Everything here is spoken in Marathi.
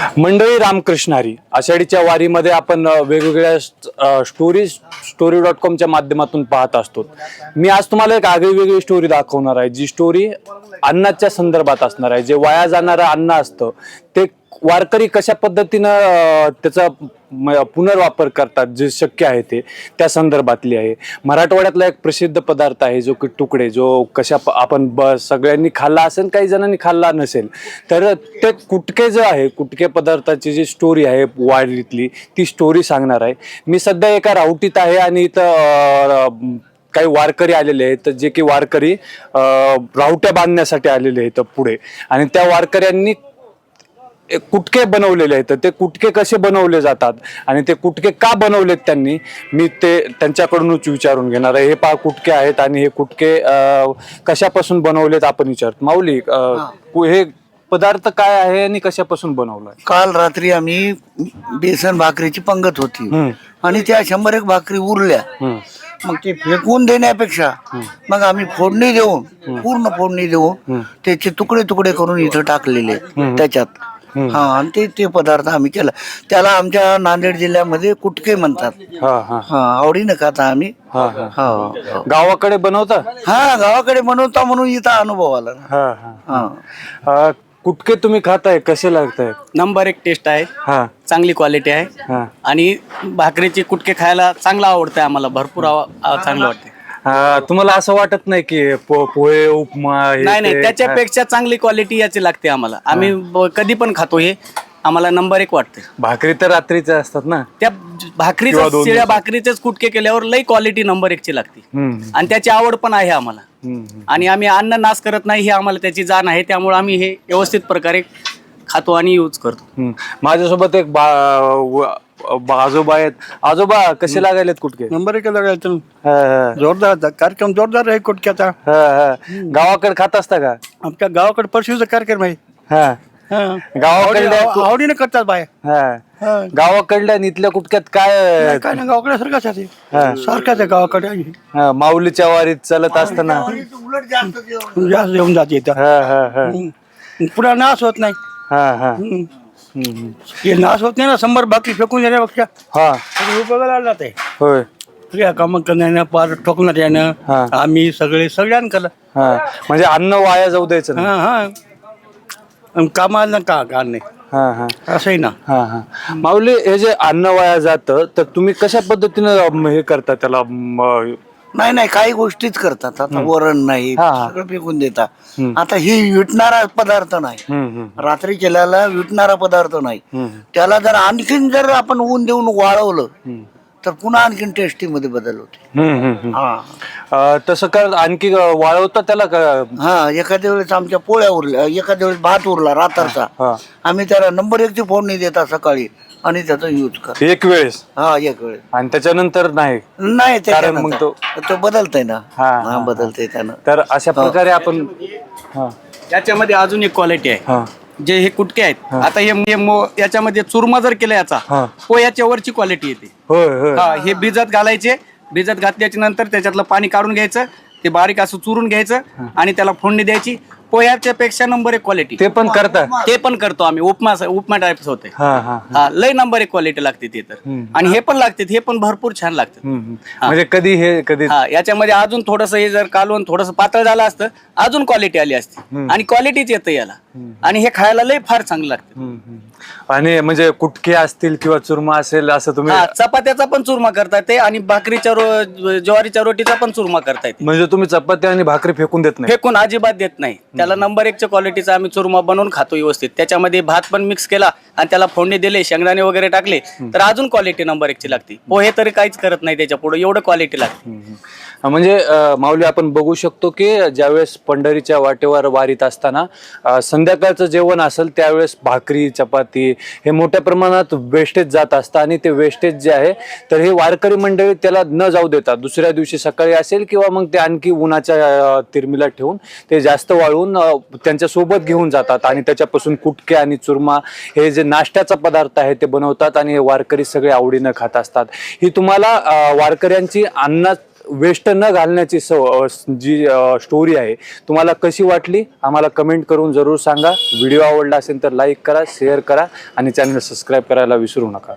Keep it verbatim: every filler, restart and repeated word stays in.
मंडळी रामकृष्ण हरी. आषाढीच्या वारीमध्ये आपण वेगवेगळ्या स्टोरी स्टोरी डॉट कॉमच्या माध्यमातून पाहत असतो. मी आज तुम्हाला एक आगळी वेगळी स्टोरी दाखवणार आहे, जी स्टोरी अन्नाच्या संदर्भात असणार आहे. जे वाया जाणारं अन्न असतं ते वारकरी कशा पद्धतीनं त्याचा पुनर्वापर करतात, जे शक्य आहे ते त्या संदर्भातली आहे. मराठवाड्यातला एक प्रसिद्ध पदार्थ आहे जो की तुकडे, जो कशा आपण ब सगळ्यांनी खाल्ला असेल, काही जणांनी खाल्ला नसेल. तर ते कुटके जो आहे, कुटके पदार्थाची जी स्टोरी आहे वारीतली, ती स्टोरी सांगणार आहे. मी सध्या एका रावटीत आहे आणि इथं काही वारकरी आलेले आहेत, जे की वारकरी रावट्या बांधण्यासाठी आलेले आहेत पुढे. आणि त्या वारकऱ्यांनी कुटके बनवलेले आहेत. ते कुटके कसे बनवले जातात आणि ते कुटके का बनवलेत त्यांनी, मी ते त्यांच्याकडूनच विचारून घेणार आहे. हे पहा कुटके आहेत आणि हे कुटके कशापासून बनवलेत आपण विचारतो. माऊली, हे पदार्थ काय आहे आणि कशापासून बनवलाय? काल रात्री आम्ही बेसन भाकरीची पंगत होती आणि त्या शंभर एक भाकरी उरल्या. मग ते फेकून देण्यापेक्षा मग आम्ही फोडणी देऊन, पूर्ण फोडणी देऊन त्याचे तुकडे तुकडे करून इथं टाकलेले त्याच्यात. हा, आणि ते ते पदार्थ आम्ही केला. त्याला आमच्या नांदेड जिल्ह्यामध्ये कुटके म्हणतात. हा, आवडीनं खाता आम्ही. हा, गावाकडे बनवता? हा, गावाकडे बनवता म्हणून इथं अनुभव आला. हा, कुटके तुम्ही खाताय, कसे लागताय? नंबर एक टेस्ट आहे. हा, चांगली क्वालिटी आहे आणि भाकरीचे कुटके खायला चांगला आवडतंय आम्हाला, भरपूर चांगलं वाटतंय. तुम्हाला असं वाटत नाही की पोहे उपमा? नाही नाही, त्याच्यापेक्षा चांगली क्वालिटी याची लागते आम्हाला. आम्ही कधी पण खातो, हे आम्हाला नंबर एक वाटते. भाकरी तर रात्रीच्या असतात ना, त्या भाकरीच्या शिळ्या भाकरीचेच कुटके केल्यावर लई क्वालिटी नंबर एक ची लागते. आणि त्याची आवड पण आहे आम्हाला. आणि आम्ही अन्न नाश करत नाही, हे आम्हाला त्याची जाण आहे. त्यामुळे आम्ही हे व्यवस्थित प्रकारे खातो आणि यूज करतो. माझ्यासोबत एक आजोबा आहेत. आजोबा, कसे लागायलेत कुटके? नंबर एक लागायचं. जोरदार कार्यक्रम, जोरदार आहे कुटक्याचा. गावाकडे खात असता का? आमच्या गावाकडे परशीचा कार्यक्रम आहे. गावाकडल्या आवडीने करतात बाय. गावाकडल्या इथल्या कुटक्यात काय काय ना, गावाकडे सारखाच आहे, सारखाच आहे गावाकडे. माऊलीच्या वारीत चालत असताना उलट जास्त जास्त येऊन जाते पुन्हा नाश होत नाही. हे नाश होत नाही ना, शंभर बाकी फेकून देण्यापेक्षा हा उपयोगाला जात आहे. होय, या काम करण्यानं, पार ठोकण्यात यानं आम्ही सगळे सगळ्यां केलं. म्हणजे अन्न वाया जाऊ द्यायचं ना. हा हा, कामाला का का नाही असंही ना. हा हा, माऊली, हे जे अन्न वाया जातं तर तुम्ही कशा पद्धतीनं हे करता त्याला? नाही नाही, काही गोष्टीच करतात. आता वरण नाही, सगळं फेकून देतात. आता ही विटणारा पदार्थ नाही, रात्री केलेला विटणारा पदार्थ नाही. त्याला जर आणखीन जर आपण ऊन देऊन वाळवलं तर पुन्हा आणखीन टेस्टी मध्ये बदल होते. तसं कर, आणखी वाळवता त्याला का? हा, एखाद्या वेळेस आमच्या पोळ्या उरल्या, एखाद्या वेळेस भात उरला रात्रचा, आम्ही त्याला नंबर एक ची फोडणी देता सकाळी आणि त्याचा यूज कर एक वेळेस. हा, एक वेळेस. आणि त्याच्यानंतर नाही नाही, कारण मग तो तो बदलतय ना. हा, बदलतय त्यानं. तर अशा प्रकारे आपण याच्यामध्ये अजून एक क्वालिटी आहे. जे हे कुटके आहेत, आता हे याच्यामध्ये चुरमा जर केला याचा, पोह्याच्या वरची क्वालिटी येते. हा, हे भिजत घालायचे, भिजत घातल्याच्या नंतर त्याच्यातलं पाणी काढून घ्यायचं, ते बारीक असं चुरून घ्यायचं आणि त्याला फोडणी द्यायची. पोह्याच्या पेक्षा नंबर एक क्वालिटी. ते पण करता? ते पण करतो आम्ही. उपमा उपमा टाइप्स होते. हा, लय नंबर एक क्वालिटी लागते ते तर. आणि हे पण लागते, हे पण भरपूर छान लागतं. म्हणजे कधी हे कधी याच्यामध्ये अजून थोडस हे जर कालवून थोडस पातळ झालं असतं, अजून क्वालिटी आली असती. आणि क्वालिटीच येतं याला, आणि हे खायला लय फार चांगलं लागतं. आणि म्हणजे कुटके असतील किंवा चुरमा असेल असं तुम्ही? चपात्याचा पण चुरमा करता येते आणि भाकरीच्या ज्वारीच्या रोटीचा पण चुरमा करता येते. म्हणजे तुम्ही चपाती आणि भाकरी फेकून देत नाही? फेकून अजिबात देत नाही. त्याला नंबर एकच्या क्वालिटीचा आम्ही चुरमा बनवून खातो व्यवस्थित. त्याच्यामध्ये भात पण मिक्स केला आणि त्याला फोडणी दिले, शेंगदाणे वगैरे टाकले तर अजून क्वालिटी नंबर एकची लागते. पोहे तरी काहीच करत नाही त्याच्या पुढे, एवढं क्वालिटी लागते. म्हणजे माऊली, आपण बघू शकतो की ज्यावेळेस पंढरीच्या वाटेवर वारीत असताना संध्याकाळचं जेवण असेल त्यावेळेस भाकरी चपाती हे मोठ्या प्रमाणात वेस्टेज जात असतं. आणि ते वेस्टेज जे आहे तर हे वारकरी मंडळी त्याला न जाऊ देतात. दुसऱ्या दिवशी सकाळी असेल किंवा मग ते आणखी उन्हाच्या तिरमीला ठेवून ते जास्त वाळून त्यांच्या सोबत घेऊन जातात आणि त्याच्यापासून कुटके आणि चुरमा हे जे नाश्त्याचा पदार्थ आहे ते बनवतात आणि हे वारकरी सगळे आवडीनं खात असतात. ही तुम्हाला वारकऱ्यांची अन्न वेस्ट न घालण्याची सव अ, जी स्टोरी आहे तुम्हाला कशी वाटली आम्हाला कमेंट करून जरूर सांगा. व्हिडिओ आवडला असेल तर लाईक करा, शेअर करा आणि चॅनल सबस्क्राईब करायला विसरू नका.